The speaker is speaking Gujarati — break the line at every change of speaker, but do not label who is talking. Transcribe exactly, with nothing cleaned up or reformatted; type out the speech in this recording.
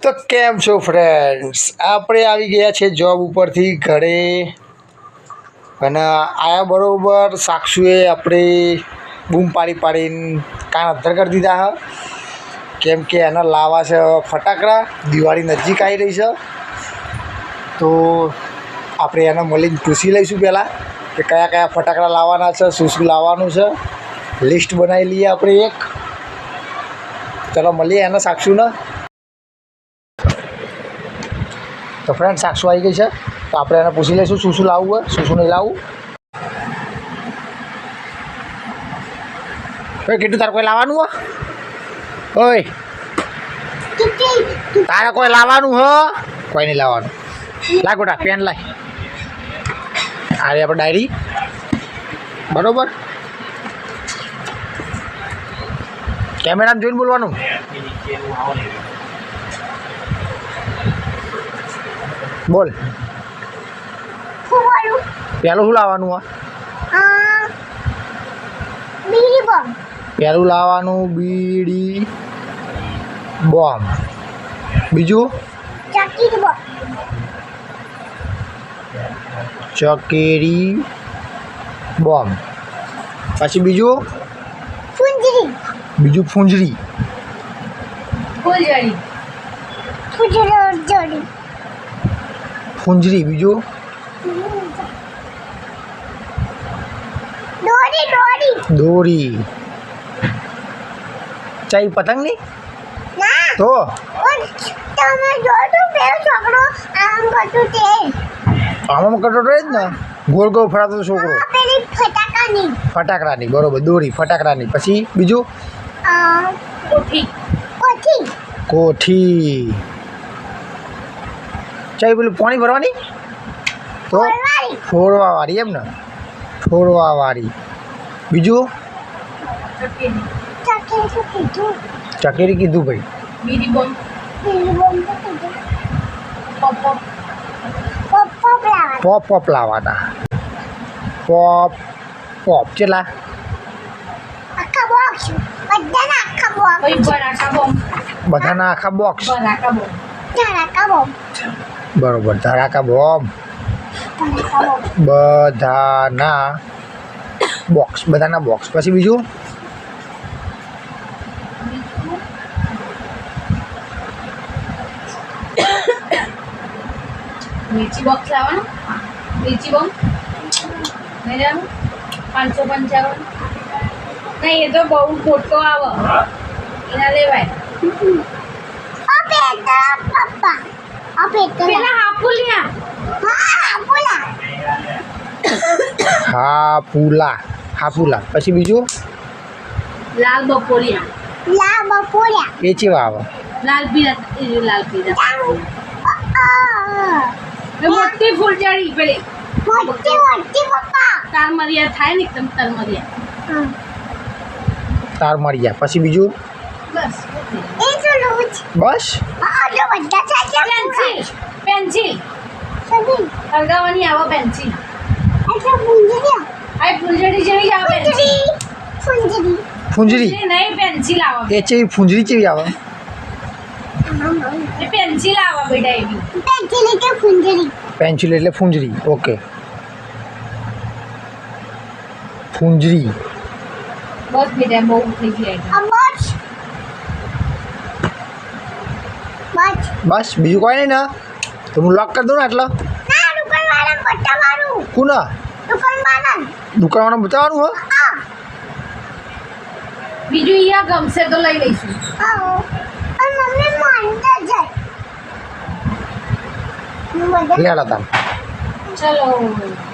તો કેમ છો ફ્રેન્ડ્સ, આપણે આવી ગયા છે જોબ ઉપરથી ઘરે અને આયા બરોબર સાક્ષુએ આપણે બૂમ પાડી પાડીને કાન અધ્ધર કરી દીધા હ કેમ કે એને લાવવા છે ફટાકડા. દિવાળી નજીક આવી રહી છે તો આપણે એને મળીને પૂછી લઈશું પહેલાં કે કયા કયા ફટાકડા લાવવાના છે, શું શું લાવવાનું છે. લિસ્ટ બનાવી લઈએ આપણે એક. ચલો મળીએ એને સાક્ષુને. તો ફ્રેન્ડ સાક્ષુ આવી ગઈ છે તો આપણે એને પૂછી લઈશું શું શું લાવવું હોય, શું શું નહીં લાવવું. ઓય કીધું તારે કોઈ લાવવાનું હો? ઓય તારે કોઈ લાવવાનું હો? કોઈ નહીં લાવવાનું. લાય ગોટા પેન લાય. આ રે આપણે ડાયરી બરોબર. કેમેરામાં જોઈને બોલવાનું. બોલ પહેલું શું લાવવાનું હોય? પહેલું લાવવાનું બીડી બોમ્બ. બીજું ચકેરી બોમ્બ. પછી બીજું બીજું ફૂંજરી. ફૂંજરી બીજું દોરી. ચાઈ પતંગ નહીં તો આમાં કરતો રહે જ ને, ગોળ ગોળ ફરાતો છોકરો. ફટાકડાની બરોબર, દોરી ફટાકડાની. પછી બીજું કોઠી. ચાઈ પેલું પાણી ભરવાની તો ફોડવા વાળી એમ ને, ફોડવા વાળી. બીજું ચકેરી કીધું ભાઈ. પોપ પોપ લાવવાના. પોપ પોપ કેટલા? બધાના આખા બોક્સ બરોબર. ધડાકા બોમ્બ બધાના બોક્સ, બધાના બોક્સ. પછી બીજું
मिर्ची बॉक्स लावा मिर्ची बॉक्स नहीं जानो पाँच सौ पंचावन नहीं ये तो बहुत मोटो आवा इना ले भाई अबे तो पापा अबे तो पहला हापुलिया हां हापुला
હાપુલા. હાપુલા. પછી બીજું
लाल बपोरिया लाल बपोरिया
એ ચેવા આવે?
लाल पीला ये लाल पीला મોટી ફૂલઝડી પેલી મોટી મોટી પપ્પા તાર મરિયા થાય ને એકદમ તાર મરિયા
તાર મરિયા. પછી બીજું
બસ એ તો લોચ
બસ.
આ જો બધા છે પેન્સિલ પેન્સિલ સદી લગાવવાની આવો પેન્સિલ એટલે ફૂલઝડી આ ફૂલઝડી જેવી આવે પેન્સિલ ફૂલઝડી
ફૂંજરી
નહીં પેન્સિલ આવે.
એ ચેવી ફૂંજરી ચેવી આવે?
એ પેન્સિલ આવે બેટા એવી પેન્સિલ એટલે ફૂલઝડી.
પેન્સિલ એટલે ફૂંજરી. ઓકે ફૂંજરી.
બસ બેટા બહુ થઈ ગયા બસ બસ
બસ બીજું કોઈ નહીં ને? તો હું લોક કરી દઉં ને એટલે.
ના દુકાનવાળા પટ્ટા મારું
કોના?
દુકાનવાળા
દુકાનવાળા બતાવવાનું હો?
હા બીજું અહીંયા ગમશે તો લઈ લઈશું. હા અને મમ્મી માંડતા જાય
લેડા તાર.
ચલો